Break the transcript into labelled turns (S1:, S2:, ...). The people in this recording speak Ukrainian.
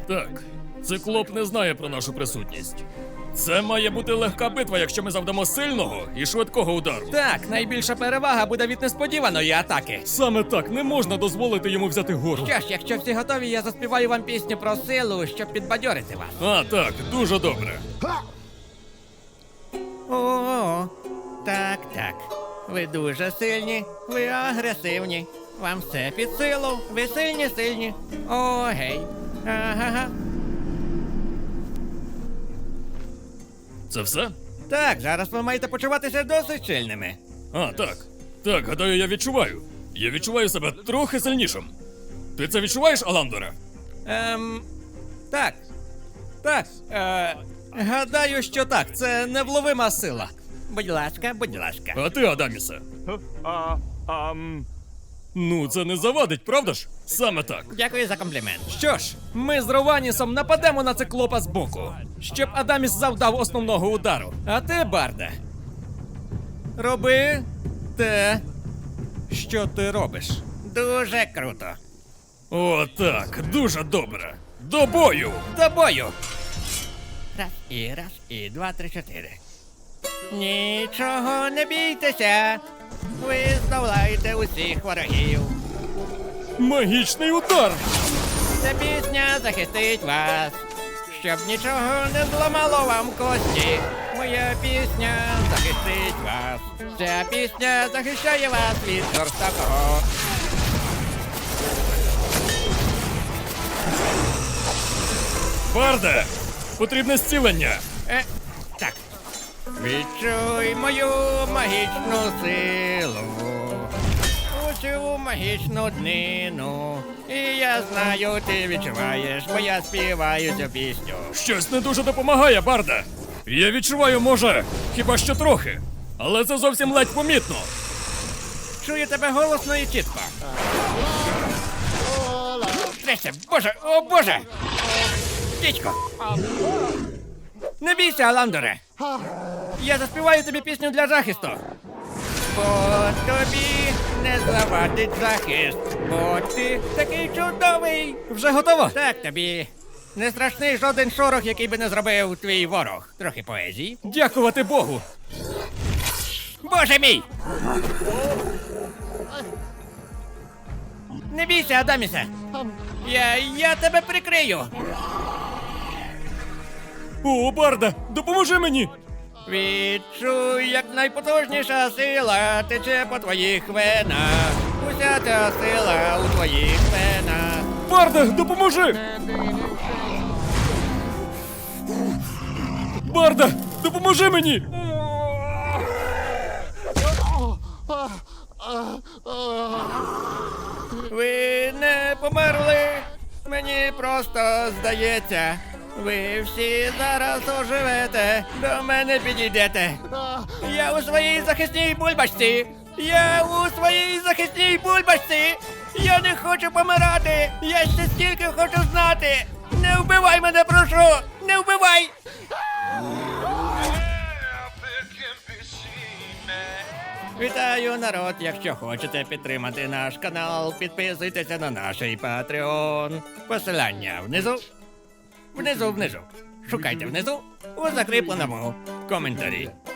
S1: Так, циклоп не знає про нашу присутність. Це має бути легка битва, якщо ми завдамо сильного і швидкого удару.
S2: Так, найбільша перевага буде від несподіваної атаки.
S1: Саме так, не можна дозволити йому взяти гору.
S2: Що ж, якщо всі готові, я заспіваю вам пісню про силу, щоб підбадьорити вас.
S1: А, так, дуже добре.
S2: О, так, так. Ви дуже сильні, ви агресивні. Вам все під силу, ви сильні. О, гей. Ага.
S1: Це все?
S2: Так, зараз ви маєте почуватися досить сильними.
S1: А, так. Так, гадаю, я відчуваю. Я відчуваю себе трохи сильнішим. Ти це відчуваєш, Аландоре?
S2: Так. Так. Гадаю, що так. Це невловима сила. Будь ласка, будь ласка.
S1: А ти, Адамісе? Ну, це не завадить, правда ж? Саме так.
S2: Дякую за комплімент. Що ж, ми з Рованісом нападемо на циклопа збоку, щоб Адаміс завдав основного удару. А ти, Барде, роби те, що ти робиш. Дуже круто.
S1: О, так, дуже добре. До бою!
S2: До бою! Раз, і два, три, чотири. Нічого не бійтеся. Ви здолаєте усіх ворогів.
S1: Магічний удар!
S2: Ця пісня захистить вас, щоб нічого не зламало вам кості. Моя пісня захистить вас. Ця пісня захищає вас від жорстокого.
S1: Барде! Потрібне зцілення!
S2: Так. Відчуй мою магічну силу, усю магічну днину. І я знаю, ти відчуваєш, бо я співаю цю пісню.
S1: Щось не дуже допомагає, Барде! Я відчуваю, може, хіба що трохи. Але це зовсім ледь помітно.
S2: Чую тебе голосно і чітко. Трясся, боже, о боже! Дідько! Не бійся, Аландоре! Я заспіваю тобі пісню для захисту. Бо тобі не завадить захист, бо ти такий чудовий. Вже готово? Так, тобі не страшний жоден шорох, який би не зробив твій ворог. Трохи поезії.
S1: Дякувати Богу!
S2: Боже мій! Не бійся, Адамісе! Я тебе прикрию!
S1: О, Барде, допоможи мені!
S2: Відчуй, як найпотужніша сила тече по твоїх венах. Уся ця сила у твоїх венах.
S1: Барде, допоможи! Барде, допоможи мені!
S2: Ви не померли, мені просто здається. Ви всі зараз оживете, до мене підійдете. Я у своїй захисній бульбашці. Я у своїй захисній бульбашці. Я не хочу помирати. Я ще стільки хочу знати. Не вбивай мене, прошу! Не вбивай! Вітаю, народ! Якщо хочете підтримати наш канал, підписуйтеся на наш Patreon. Посилання внизу. Внизу. Шукайте внизу у закріпленому коментарі.